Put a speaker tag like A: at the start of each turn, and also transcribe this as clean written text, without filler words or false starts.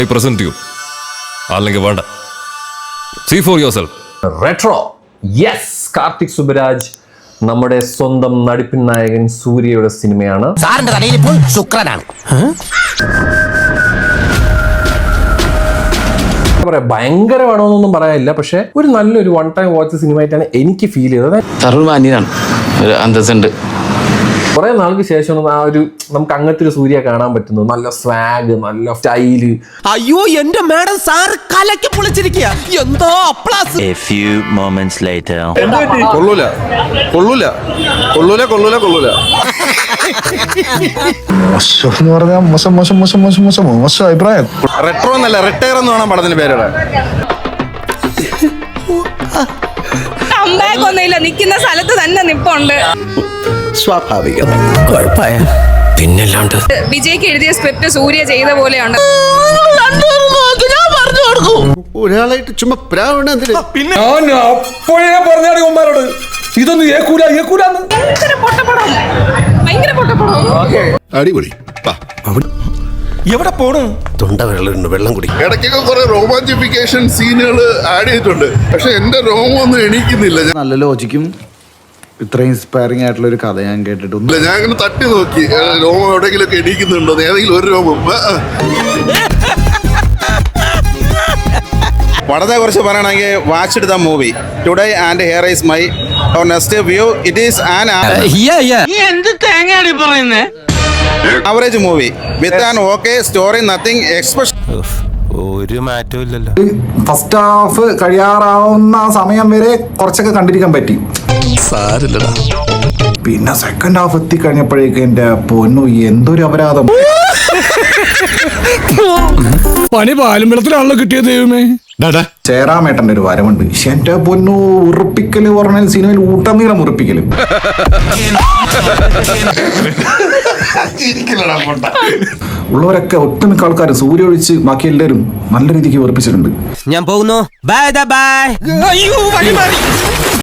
A: I present you. അല്ലെങ്കിൽ വേണ്ട. See for yourself.
B: Retro. Yes, Karthik Subaraj നമ്മുടെ സ്വന്തം നടിപ്പിൻ നായകൻ സൂര്യയുടെ സിനിമയാണ്.
C: സാറിന്റെ തലയിൽ ഇപ്പോൾ ശുക്രനാണ്.
B: പറയാ ഭയങ്കരമാണോന്നൊന്നും പറയാനില്ല, പക്ഷെ ഒരു നല്ലൊരു വൺ ടൈം വാച്ച് സിനിമ ആയിട്ടാണ് എനിക്ക് ഫീൽ ചെയ്തത്.
D: സർവ്വമാന്യനാണ്, ഒരു അന്തസ്സുണ്ട്.
B: കുറെ നാൾക്ക് ശേഷം ആ ഒരു നമുക്ക് അങ്ങനത്തെ ഒരു സൂര്യ കാണാൻ പറ്റുന്നു. നല്ല സ്വാഗ്, നല്ല സ്റ്റൈല്.
C: അയ്യോ എന്റെ മാഡം സാർ കലക്കി പൊളിച്ചിരിക്കുക. എന്തോ applause.
E: A few moments later.
F: കൊള്ളൂല കൊള്ളൂല കൊള്ളൂല കൊള്ളൂല കൊള്ളൂല.
G: മോശം എന്ന് പറഞ്ഞാൽ മോശം മോശം മോശം മോശം മോശം മോശം അഭിപ്രായം.
F: റെട്രോ എന്നല്ല, റിട്ടയർ എന്ന് വേണം പടത്തിന് പേരുടെ.
H: ഒന്നുമില്ല, നിൽക്കുന്ന സ്ഥലത്ത് തന്നെ നിപ്പുണ്ട്.
F: സ്വാഭാവികം.
D: പിന്നല്ലാണ്ട്
H: വിജയ്ക്ക് എഴുതിയ സ്ക്രിപ്റ്റ് സൂര്യ ചെയ്ത പോലെയാണ്.
F: ഒരാളായിട്ട് ചുമ്മാ
A: പിന്നെ അപ്പോഴേ പറഞ്ഞാണ് ഉമ്മാരോട് ഇതൊന്നും ഏക്കൂല ഏക്കൂലെന്ന്.
H: ഭയങ്കര പൊട്ടപ്പടം.
F: അടിപൊളി.
A: എവിടെ പോണു?
F: തൊണ്ട വെള്ളം കുടി.
I: ഇടയ്ക്കൊക്കെ കുറെ റോമാഞ്ചിഫിക്കേഷൻ സീനുകൾ ആഡ് ചെയ്തിട്ടുണ്ട്, പക്ഷെ എന്റെ രോമൊന്നും എണീക്കുന്നില്ല.
G: നല്ല ലോജിക്കും ഇത്രയും ഇൻസ്പയറിംഗ് ആയിട്ടുള്ള ഒരു കഥ ഞാൻ കേട്ടിട്ടുണ്ട്.
I: ഞാൻ ഇങ്ങനെ തട്ടി നോക്കി രോമം എവിടെയെങ്കിലും ഒക്കെ എണീക്കുന്നുണ്ടോ, ഏതെങ്കിലും ഒരു രോമം.
F: പടത്തെ കുറിച്ച് പറയണമെങ്കിൽ watch the movie today and here is my next view. It is an average movie with an okay story, nothing special.
A: ഒരു മാറ്റവും ഇല്ലല്ലോ.
G: ഫസ്റ്റ് ഹാഫ് കഴിയാറാവുന്ന സമയം വരെ കുറച്ചൊക്കെ കണ്ടിരിക്കാൻ പറ്റി. പിന്നെ സെക്കൻഡ് ഹാഫ് എത്തിക്കഴിഞ്ഞപ്പോഴേക്കും എന്റെ പൊന്നു എന്തൊരു അപരാധം.
J: പണി പാലും വെള്ളത്തിലാണല്ലോ കിട്ടിയത് ദൈവമേ.
G: ചേരാമേട്ടന്റെ ഒരു വരവുണ്ട്. എന്റെ പൊന്നു ഉറപ്പിക്കല് പറഞ്ഞാൽ സിനിമയിൽ ഊട്ടനീളം ഉറപ്പിക്കല്. ഉള്ളവരൊക്കെ ഒട്ടുമിക്ക ആൾക്കാർ സൂര്യ ഒഴിച്ച് ബാക്കി എല്ലാവരും നല്ല രീതിക്ക് ഉറപ്പിച്ചിട്ടുണ്ട്.
C: ഞാൻ പോകുന്നു. Bye bye. അയ്യോ വഴി മാറി.